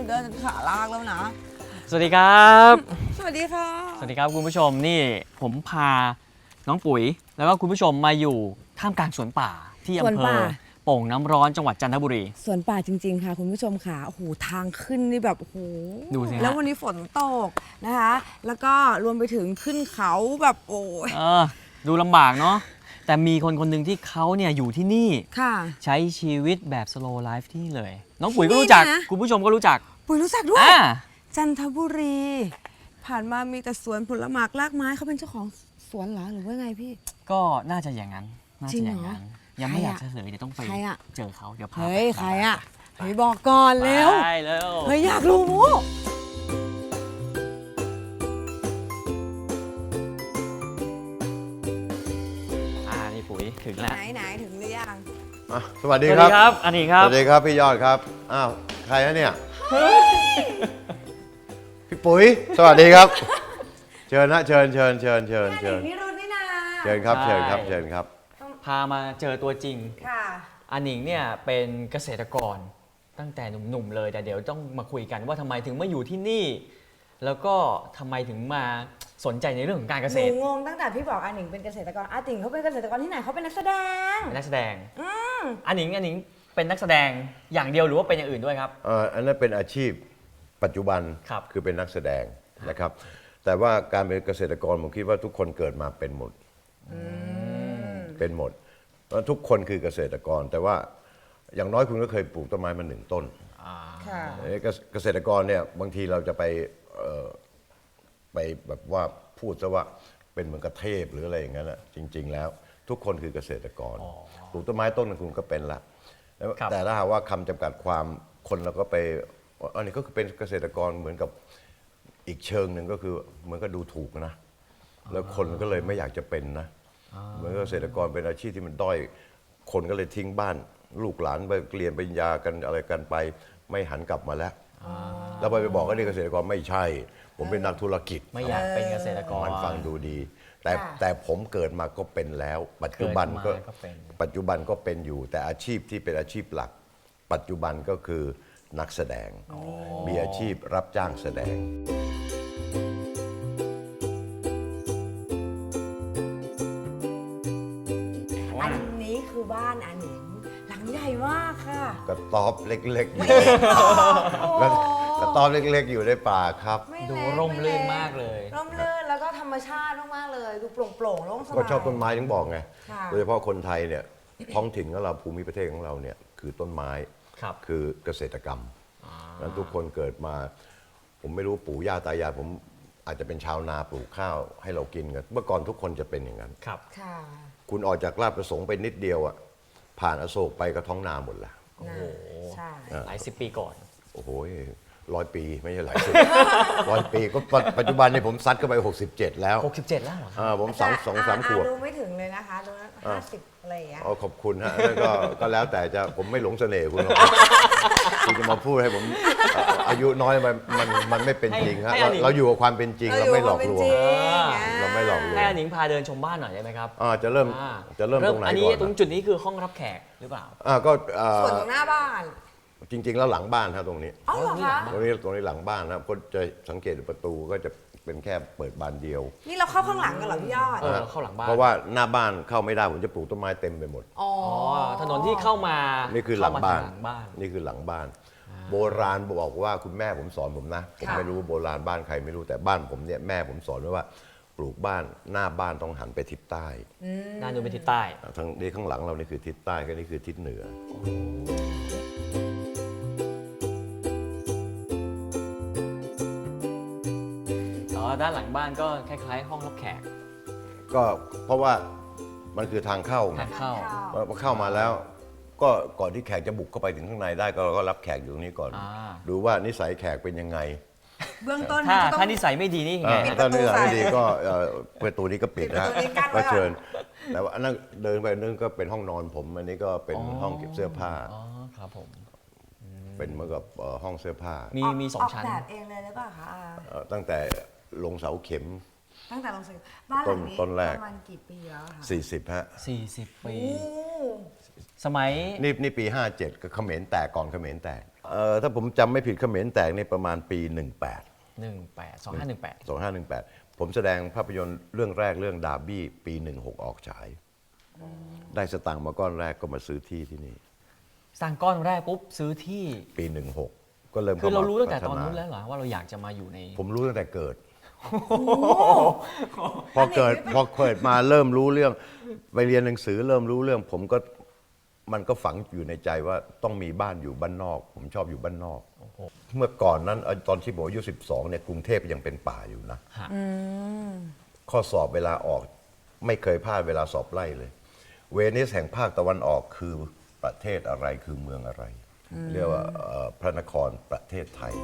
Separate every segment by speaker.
Speaker 1: เดินจนขาลากแล้วนะ
Speaker 2: สวัสดีครับ
Speaker 1: สวัสดีค่ะ
Speaker 2: สวัสดีครับคุณผู้ชมนี่ผมพาน้องปุ๋ย แล้วก็คุณผู้ชมมาอยู่ท่ามกลางสวนป่าที่อำเภอโป่งน้ำร้อนจังหวัดจันทบุรี
Speaker 1: สวนป่าจริงๆค่ะคุณผู้ชมค่ะโอ้โหทางขึ้นนี่แบบโอ้โห
Speaker 2: ดูสิฮะ
Speaker 1: แล้ววันนี้ฝนตกนะคะ แล้วก็รวมไปถึงขึ้นเขาแบบโอ้ย
Speaker 2: ดูลำบากเนาะแต่มีคนคนหนึ่งที่เขาเนี่ยอยู่ที่นี่
Speaker 1: ค่ะ
Speaker 2: ใช้ชีวิตแบบ slow life ที่นี่เลย น้องปุ๋ยก็รู้จัก
Speaker 1: ที่นี่นะ
Speaker 2: คุณผู้ชมก็รู้จัก
Speaker 1: ปุ๋ยรู้จักด้วย
Speaker 2: อ่า
Speaker 1: จันทบุรี ผ่านมามีแต่สวนผลไม้รากไม้เขาเป็นเจ้าของสวนเหรอหรือว่าไงพี่
Speaker 2: ก็น่าจะอย่างนั้นน่า
Speaker 1: จริ
Speaker 2: จะ
Speaker 1: ง
Speaker 2: อ
Speaker 1: เหรอ
Speaker 2: ย่างนั้นยังไม่
Speaker 1: ใคร
Speaker 2: อยา
Speaker 1: อะ
Speaker 2: กจะเฉลยเดี๋ยวต้องไป
Speaker 1: ใครอะ
Speaker 2: เจอเขาเดี๋ยวพา
Speaker 1: เฮ้ย
Speaker 2: ไป
Speaker 1: ใครอะเฮ้ยบอกก่อนเร็ว
Speaker 2: ไปเร็ว
Speaker 1: เฮ้ยอยากรู้
Speaker 2: นี่ปุ๋ยถึงแล้ว
Speaker 1: ไหนถึงหรือยัง
Speaker 3: สวัส
Speaker 2: ส
Speaker 3: ดี
Speaker 2: วัส
Speaker 3: ค
Speaker 2: ดี
Speaker 3: รับ
Speaker 2: ครับอันนี้ครับ
Speaker 3: สวัสดีครับพี่ยอดครับ อ้าว ใครฮะเนี่ย พี่ปุ๋ย สวัสดีครับ เชิญนะเชิญ
Speaker 1: นี่รุ่นนี่นา
Speaker 3: เชิญครับ
Speaker 2: ใช่
Speaker 3: เชิญครับเชิญครับ
Speaker 2: พามาเจอตัวจริง
Speaker 1: ค่ะ
Speaker 2: อันหนิงเนี่ยเป็นเกษตรกรตั้งแต่หนุ่มๆเลยแต่เดี๋ยวต้องมาคุยกันว่าทำไมถึงมาอยู่ที่นี่ แล้วก็ทำไมถึงมาสนใจในเรื่องของการเก
Speaker 1: ห
Speaker 2: ษ
Speaker 1: นู
Speaker 2: ตร
Speaker 1: งงตั้งแต่พี่บอกอาหนิงเป็นเกษตรกรอาติ่งเขาเป็นเกษตรกรที่ไหนเขาเป็นนักแสดง
Speaker 2: เป็นนักแสดงอันหนิงเป็นนักแสดงอย่างเดียวหรือว่าเป็นอย่างอื่นด้วยครับ
Speaker 3: อันนั้นเป็นอาชีพปัจจุบัน
Speaker 2: ครับ
Speaker 3: คือเป็นนักแสดงนะครับ แต่ว่าการเป็นเกษตรกรผมคิดว่าทุกคนเกิดมาเป็นหมดเป็นหมดเพราะทุกคนคือเกษตรกร แต่ว่าอย่างน้อยคุณก็เคยปลูกต้นไม้มา1 ต้น
Speaker 1: ค่ะ
Speaker 3: เกษตรกรเนี่ยบางทีเราจะไปแบบว่าพูดซะว่าเป็นเหมือนกับเทพหรืออะไรอย่างนั้นแหละจริง ๆ แล้วทุกคนคือเกษตรกรปลูกต้นไม้ต้นนึงคุณก็เป็นละแต่ถ้าหากว่าคำจำกัดความคนเราก็ไปอันนี้ก็คือเป็นเกษตรกรเหมือนกับอีกเชิงหนึ่งก็คือเหมือนกับดูถูกนะแล้วคนก็เลยไม่อยากจะเป็นนะเหมือนกับเกษตรกรเป็นอาชีพที่มันด้อยคนก็เลยทิ้งบ้าน ลูกหลานไปเรียนปริญญากันอะไรกันไปไม่หันกลับมาแล้วแล้วไปบอกว่านี่เกษตรกรไม่ใช่ ผมเป็นนักธุรกิจ
Speaker 2: ไม่อยากเป็นเกษตรกร
Speaker 3: มันฟังดูดี แต่
Speaker 1: ค่ะ
Speaker 3: แต่ผมเกิดมาก็เป็นแล้ว ปัจจุบันก็
Speaker 2: เกิดมาก็เป็น
Speaker 3: ปัจจุบันก็เป็นอยู่ แต่อาชีพที่เป็นอาชีพหลัก ปัจจุบันก็คือนักแสดง มีอาชีพรับจ้างแสดง
Speaker 1: อันนี้คือบ้านอาหนิงหลังใหญ่มากค่ะ
Speaker 3: กระต๊อบเล็กๆอยู่
Speaker 1: โอ้
Speaker 3: แล้วกระต๊อบเล็กๆอยู่ในป่าครับ
Speaker 1: ไม่
Speaker 2: ดู
Speaker 1: เล็ก
Speaker 2: ร่มรื่น
Speaker 1: ไเ
Speaker 2: มากเลย
Speaker 1: ร่มรื่นแล้วก็ธรรมชาติมากๆเลย ดูโปร่งๆโล่งสบาย
Speaker 3: ก็ชอบต้นไม้ถึงบอกไง
Speaker 1: ค่ะ
Speaker 3: โดยเฉพาะคนไทยเนี่ยท้องถิ่นของเราภูมิประเทศของเราเนี่ยคือต้นไม้
Speaker 2: ครับ
Speaker 3: คือเกษตรกรรมนั้นทุกคนเกิดมา ผมไม่รู้ปู่ย่าตายายผมอาจจะเป็นชาวนาปลูกข้าวให้เรากินกันเมื่อก่อนทุกคนจะเป็นอย่างนั้น
Speaker 2: ครับ
Speaker 1: ค่ะ
Speaker 3: คุณออกจากราชประสงค์ไปนิดเดียวอ่ะผ่านอโศกไปก็ท้องนาหมดละ
Speaker 1: นะใช่
Speaker 2: หลายสิบปีก่อน
Speaker 3: โอ้โห100 ปีไม่ใช่หลายสิบ 100 ปีก็ปัจจุบันนี้ผมซัดเข้าไป 67 แล้ว
Speaker 2: 67 แล้วเหรอครับ
Speaker 3: ผม2-3 ขวบ
Speaker 1: ดูไม่ถึงเลยนะคะดู50อะไรอย่างเงี้ย
Speaker 3: ขอบคุณฮะแล้วก็แล้วแต่จะผมไม่หลงเสน่ห์คุณหรอก คุณจะมาพูดให้ผมอายุน้อยมันไม่เป็นจริงฮะ
Speaker 2: ให้อันนี้
Speaker 3: เราอยู่กับความเป็นจริงเราไม่หลอกลวง เราไม่หลอกลวง
Speaker 2: ให้อันหนิงพาเดินชมบ้านหน่อยได้ไหมครับ
Speaker 3: จะเริ่ม
Speaker 2: อ่า
Speaker 3: ตรงไหน
Speaker 2: อัน
Speaker 3: ก่
Speaker 2: นี้
Speaker 3: อน
Speaker 2: ตรงจุดนี้คือห้องรับแขกหรือเปล่า
Speaker 3: ก็
Speaker 1: ส่วนตรงหน้าบ้าน
Speaker 3: จริง ๆ แล้วหลังบ้านฮะตรงนี้
Speaker 1: อ๋อเหรอคะ
Speaker 3: ตรงนี้หลังบ้านนะคนจะสังเกตดูประตูก็จะเป็นแค่เปิดบานเดียว
Speaker 1: นี่เราเข้าข้างหลังกันเหรอพี่ยอด
Speaker 2: เข้าหลังบ้าน
Speaker 3: เพราะว่าหน้าบ้านเข้าไม่ได้ผมจะปลูกต้นไม้เต็มไปหมด
Speaker 1: อ๋อ
Speaker 2: อ๋อถนนที่เข้ามา
Speaker 3: นี่คือหลังบ้าน
Speaker 2: เข้มทหลังบ้าน
Speaker 3: นี่คือหลังบ้าน โบราณบอกว่าคุณแม่ผมสอนผมนะผมไม่รู้โบราณบ้านใครไม่รู้แต่บ้านผมเนี่ยแม่ผมสอนไว้ว่าปลูกบ้านหน้าบ้านต้องหันไปทิศใต้
Speaker 2: ด้านนู้นเป็นทิศใต้
Speaker 3: ทางนี้ข้างหลังเรานี่คือทิศใต้ก็นี่คือทิศเหนือ
Speaker 2: แล้วด้านหลังบ้านก็คล้ายๆ ห้องรับแขก
Speaker 3: ก็เพราะว่ามันคือทางเข้าไง
Speaker 2: ทางเข้า
Speaker 3: พอเข้ามาแล้ว ก็ก่อนที่แขกจะบุกเข้าไปถึงข้างในได้ก็เราก็รับแขกอยู่ตรงนี้ก่อน
Speaker 2: อ่า
Speaker 3: ดูว่านิสัยแขกเป็นยังไง
Speaker 1: เบื้องต้น
Speaker 2: ถ้า
Speaker 1: ก็ต้อง
Speaker 2: ถ้านิสัยไม่ดีนี่ไง
Speaker 1: ปิดป
Speaker 3: ถ้า
Speaker 1: ระตู
Speaker 3: นิสัยไม่
Speaker 1: ใส่
Speaker 3: ดีก็ประตูนี้ก็ปิดนะ
Speaker 1: ปิดประตูนี้กั้นไว้ก่อน
Speaker 3: ก็เชิญแต่ว่าอันนั้นเดินไปนึงก็เป็นห้องนอนผมอันนี้ก็เป็นห้องเก็บเสื้อผ้า
Speaker 2: อ๋อครับผม
Speaker 3: เป็นเหมือนกับห้องเสื้อผ้า
Speaker 2: มีสองชั้น
Speaker 1: ออกแบบเองเลยหรือเปล่าคะอา
Speaker 3: ตั้งแต่ลงเสาเข็ม
Speaker 1: ตั้งแต่ลงซื้อบ้านหลังนี้
Speaker 3: ต้นแรก
Speaker 1: ประมาณกี่ปีแล้วคะ
Speaker 3: 40ฮะ
Speaker 2: 40 ปี
Speaker 1: โอ้
Speaker 2: สมัย
Speaker 3: นี่ปี 57ก็เขมรแตกก่อนเขมรแตกถ้าผมจำไม่ผิดเขมรแตกในประมาณปี
Speaker 2: 2518
Speaker 3: ผมแสดงภาพยนตร์เรื่องแรกเรื่องดาร์บี้ปี 16 ออกฉาย ได้สตางค์มาก้อนแรกก็มาซื้อที่ที่นี่
Speaker 2: สร้างก้อนแรกปุ๊บซื้อที่
Speaker 3: ปี 16 ก็เริ่ม
Speaker 2: คือเรารู้ตั้งแต่
Speaker 3: พัฒ
Speaker 2: ตอนนู้นแล้วเหรอว่าเราอยากจะมาอยู่ใน
Speaker 3: ผมรู้ตั้งแต่เกิด พอเกิดมาเริ่มรู้เรื่องไปเรียนหนังสือเริ่มรู้เรื่อง มันก็ฝังอยู่ในใจว่าต้องมีบ้านอยู่บ้านนอก ผมชอบอยู่บ้านนอก เมื่อก่อนนั้นตอนที่ผมอายุ 12 เนี่ยกรุงเทพยังเป็นป่าอยู่นะ
Speaker 2: ฮะ
Speaker 3: ข้อสอบเวลาออกไม่เคยพลาดเวลาสอบไล่เลย เวนิสแห่งภาคตะวันออกคือประเทศอะไรคือเมืองอะไร เรียกว่าพระนครประเทศไทย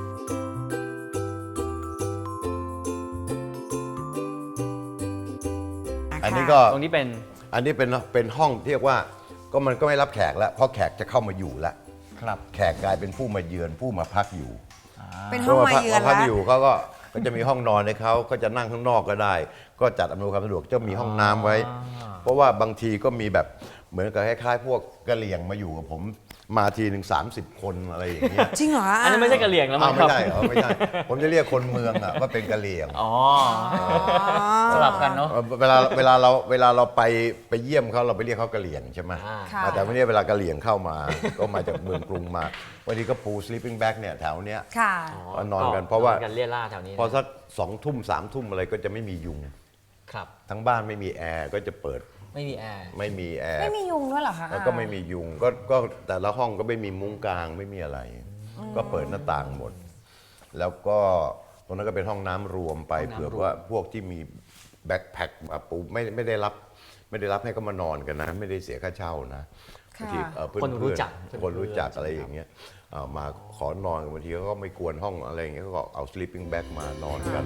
Speaker 3: อันนี้ก็
Speaker 2: ตรงนี้เป็น
Speaker 3: เป็นห้องที่เรียกว่ามันก็ไม่รับแขกแล้ว เพราะแขกจะเข้ามาอยู่แล้ว
Speaker 2: ครับ
Speaker 3: แขกกลายเป็นผู้มาเยือนผู้มาพักอยู่
Speaker 1: เป็นห้องมาเยือน
Speaker 3: พพัก
Speaker 1: แล้ว
Speaker 3: อยู่เขาก็จะมีห้องนอนให้เขาก็จะนั่งข้างนอกก็ได้ ก็จัดอำนวยความสะดวกจะมีห้องน้ำไว้ เพราะว่าบางทีก็มีแบบเหมือนกับคล้ายๆ พวกกะเหรี่ยงมาอยู่กับผมมาทีหนึ่ง30 คนอะไรอย่างเงี้ย
Speaker 1: จริงเหรอ
Speaker 2: อันนั้นไม่ใช่กะเหรี่ยงแล้วมั้
Speaker 3: อ้าว
Speaker 2: งค
Speaker 3: ไม่
Speaker 2: รับ
Speaker 3: ได้เหรอไม่ใช่ผมจะเรียกคนเมืองอะว่าเป็นกะเหรี่ยง
Speaker 2: อ๋อสลับกันเนาะ
Speaker 3: เวลาเราไปเยี่ยมเขาเราไปเรียกเขากะเหรี่ยงใช่ไหม
Speaker 1: ค่ะ
Speaker 3: แต่ไม่ใช่เวลากะเหรี่ยงเข้ามา ก็มาจากเมืองกรุงมาวันนี้ก็ปู sleeping bag เนี่ยแถวเนี้ย
Speaker 1: ค่ะ
Speaker 3: ก็นอนกันเพราะว่า
Speaker 2: กันเลี่ยล่าแถวนี้นะ
Speaker 3: พอสัก2 ทุ่ม3 ทุ่มอะไรก็จะไม่มียุง
Speaker 2: ครับ
Speaker 3: ทั้งบ้านไม่มีแอร์ก็จะเปิด
Speaker 2: ไม่มีแอร์
Speaker 3: ไม่มีแอร์
Speaker 1: ไม่มียุงด้วยเหรอคะ
Speaker 3: แล้วก็ไม่มียุงก็แต่ละห้องก็ไม่มีมุ้งกลางไม่มีอะไร ก็เปิดหน้าต่างหมด แล้วก็ตรงนั้นก็เป็นห้องน้ำรวมไป
Speaker 2: ห้องน้ำ
Speaker 3: เผื่อ
Speaker 2: รวม
Speaker 3: ว่าพวกที่มีแบ็คแพ็คมาปูไม่ได้รับให้เขามานอนกันนะ ไม่ได้เสียค่าเช่านะบางทีเพื่อน
Speaker 2: คนรู้จัก
Speaker 3: คนรู้จักอะไรอย่างเงี้ยมาขอนอนกันบางทีเขาก็ไม่กวนห้องอะไรอย่างเงี้ยก็เอา sleeping bag มานอนกัน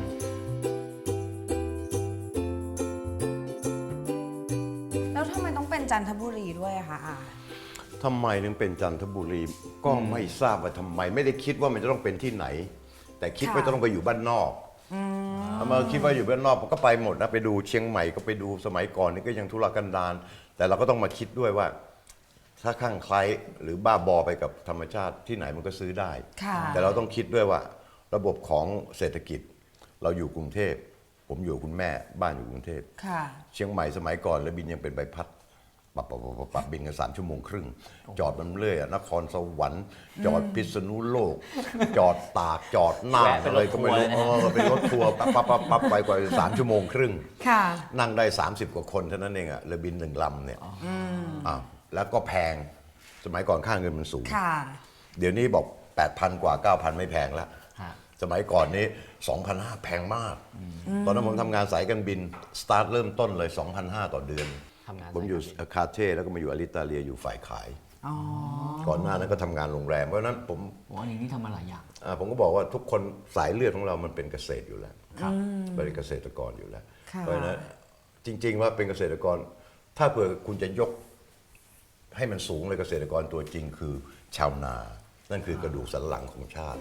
Speaker 1: แล้วทำไมต้องเป็นจันทบุรีด้วยอะคะอา
Speaker 3: ทำไมถึงเป็นจันทบุรีก็ไม่ทราบว่าทำไม ไม่ได้คิดว่ามันจะต้องเป็นที่ไหน แต่คิดว่าจะต้องไปอยู่บ้านนอกมาคิดว่าอยู่บ้านนอกก็ไปหมดนะไปดูเชียงใหม่ก็ไปดูสมัยก่อนนี่ก็ยังทุรกันดารแต่เราก็ต้องมาคิดด้วยว่า ถ้าข้างใครหรือบ้าบอไปกับธรรมชาติที่ไหนมันก็ซื้อได้
Speaker 1: ค่ะ
Speaker 3: แต่เราต้องคิดด้วยว่า ระบบของเศรษฐกิจ เราอยู่กรุงเทพผมอยู่คุณแม่บ้านอยู่กรุงเทพ
Speaker 1: ค่ะ
Speaker 3: เชียงใหม่สมัยก่อนแล้วบินยังเป็นใบพัดปับบินกัน3 ชั่วโมงครึ่ง จอดมันเรื่อยอะนครสวรรค์จอดพิษณุโลก จอดตากจอดน่าน
Speaker 2: แวะเป็น
Speaker 3: อะไรก็ไม่รู้
Speaker 2: รถทัวร์เลยนะ
Speaker 3: เป็นรถทัวร์ปั๊บไปกว่า3 ชั่วโมงครึ่ง
Speaker 1: ค่ะ
Speaker 3: นั่งได้ 30 กว่าคนเท่านั้นเองอะเรือบิน1 ลำเนี่ยแล้วก็แพงสมัยก่อนค่าเงินมันสูง
Speaker 1: ค่ะ
Speaker 3: เดี๋ยวนี้บอก 8,000 กว่า 9,000 ไม่แพงแล้ว
Speaker 2: ฮะ
Speaker 3: สมัยก่อนนี้ 2,500 แพงมาก ตอนนั้นผมทำงานสายการบิน สตาร์ทเริ่มต้นเลย 2,500 ต่อเดือน
Speaker 2: ทำงาน
Speaker 3: ผมอยู่
Speaker 2: สายการบิน
Speaker 3: คาเท่แล้วก็มาอยู่อลิตาเลียอยู่ฝ่ายขาย
Speaker 1: อ๋อ
Speaker 3: ก่อนหน้านั้นก็ทำงานโรงแรม เพราะฉะนั้นผม
Speaker 2: อันนี้ทำมาหลายอย่าง
Speaker 3: ผมก็บอกว่าทุกคนสายเลือดของเรามันเป็นเกษตรอยู่แล้ว
Speaker 2: ครับ
Speaker 3: เป็นเกษตรกรอยู่แล้ว
Speaker 1: ค่ะ
Speaker 3: เพราะฉะนั้นจริง ๆ ว่าเป็นเกษตรกร ถ้าเผื่อคุณจะยกให้มันสูงเลยเกษตรกรตัวจริงคือชาวนา นั่นคือกระดูกสันหลังของชาติ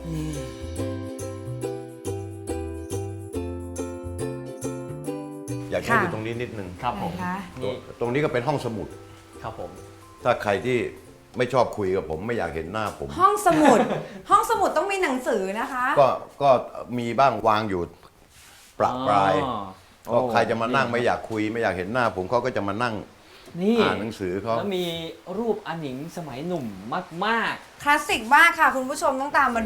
Speaker 3: อยากให้ดูตรงนี้นิดนึง
Speaker 2: ครับผม
Speaker 1: ไหนคะ
Speaker 2: นี่
Speaker 3: ตรงนี้ก็เป็นห้องสมุด
Speaker 2: ครับผม
Speaker 3: ถ้าใครที่ไม่ชอบคุยกับผมไม่อยากเห็นหน้าผม
Speaker 1: ห้องสมุด ห้องสมุดต้องมีหนังสือนะคะ
Speaker 3: ก็มีบ้างวางอยู่ประปราย
Speaker 2: อ๋อ
Speaker 3: ก็ใครจะมานั่งไม่อยากคุย ไม่อยากเห็นหน้าผมเขาก็จะมานั่ง
Speaker 2: นี่
Speaker 3: อ่านหนังสือเขา
Speaker 2: แล้วมีรูปอันหนิงสมัยหนุ่มมาก
Speaker 1: คลาสสิกมากค่ะ คุณผู้ชมต้องตามมาดู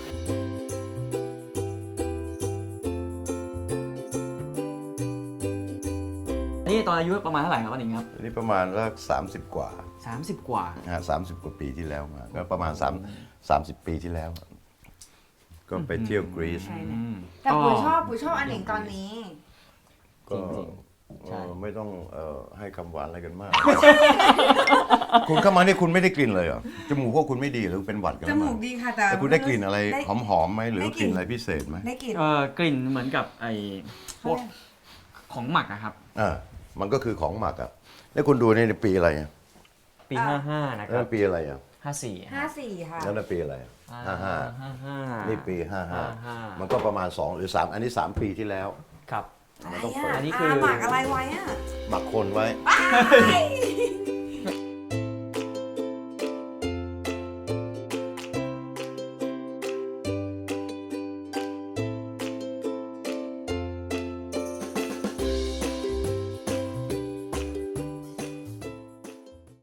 Speaker 2: ๆ นี่ตอนอายุประมาณเท่าไหร่ครับอันหนิงครับ
Speaker 3: อันนี้ประมาณสัก30 กว่า
Speaker 2: 30 กว่า
Speaker 3: 30 กว่าปีที่แล้วมาก็ประมาณ30 ปีที่แล้ว ก็ไปเที่ยวกรีซ
Speaker 1: แต่ปุ๋ยชอบอันหนิงตอนนี้
Speaker 3: ก็
Speaker 2: ใช่
Speaker 3: ไม่ต้องให้คำหวานอะไรกันมาก คุณเข้ามานี่คุณไม่ได้กลิ่นเลยเหรอจมูกพวกคุณไม่ดีหรือเป็นหวัดกัน
Speaker 1: จ
Speaker 3: แล้ว
Speaker 1: มู
Speaker 3: มั้
Speaker 1: ก
Speaker 3: ง
Speaker 1: ดีค่ะแต่
Speaker 3: แต่คุณได้กลิ่นอะไร
Speaker 1: ด้
Speaker 3: หอมๆไหมหรือ
Speaker 1: ได้
Speaker 3: ก
Speaker 1: กลิ่
Speaker 3: ลิ่
Speaker 1: น
Speaker 3: นอะไรพิเศษไหม
Speaker 1: ได้กลิ่น
Speaker 2: กลิ่นเหมือนกับไอ้พวกของหมักอะครับ
Speaker 3: มันก็คือของหมักอ่ะแล้วคุณดูนี่ในปีอะไรอ่ะ
Speaker 2: ปี 55 นะค
Speaker 3: นั่
Speaker 2: รับ
Speaker 3: นปีอะไรอ่ะ
Speaker 2: 54
Speaker 1: 54 ค่ะ
Speaker 3: นั่นปีอะไร55นี่ปี
Speaker 2: 55
Speaker 3: 55มันก็ประมาณ2หรือ3อันนี้3 ปีที่แล้ว
Speaker 2: ครับ
Speaker 1: อะไร
Speaker 3: มันต้องเปิด
Speaker 1: อ่ะ
Speaker 2: อันนี้คือ
Speaker 1: หมักอะไรไว้อ่ะ
Speaker 3: หมักคนไว้
Speaker 1: อ้าย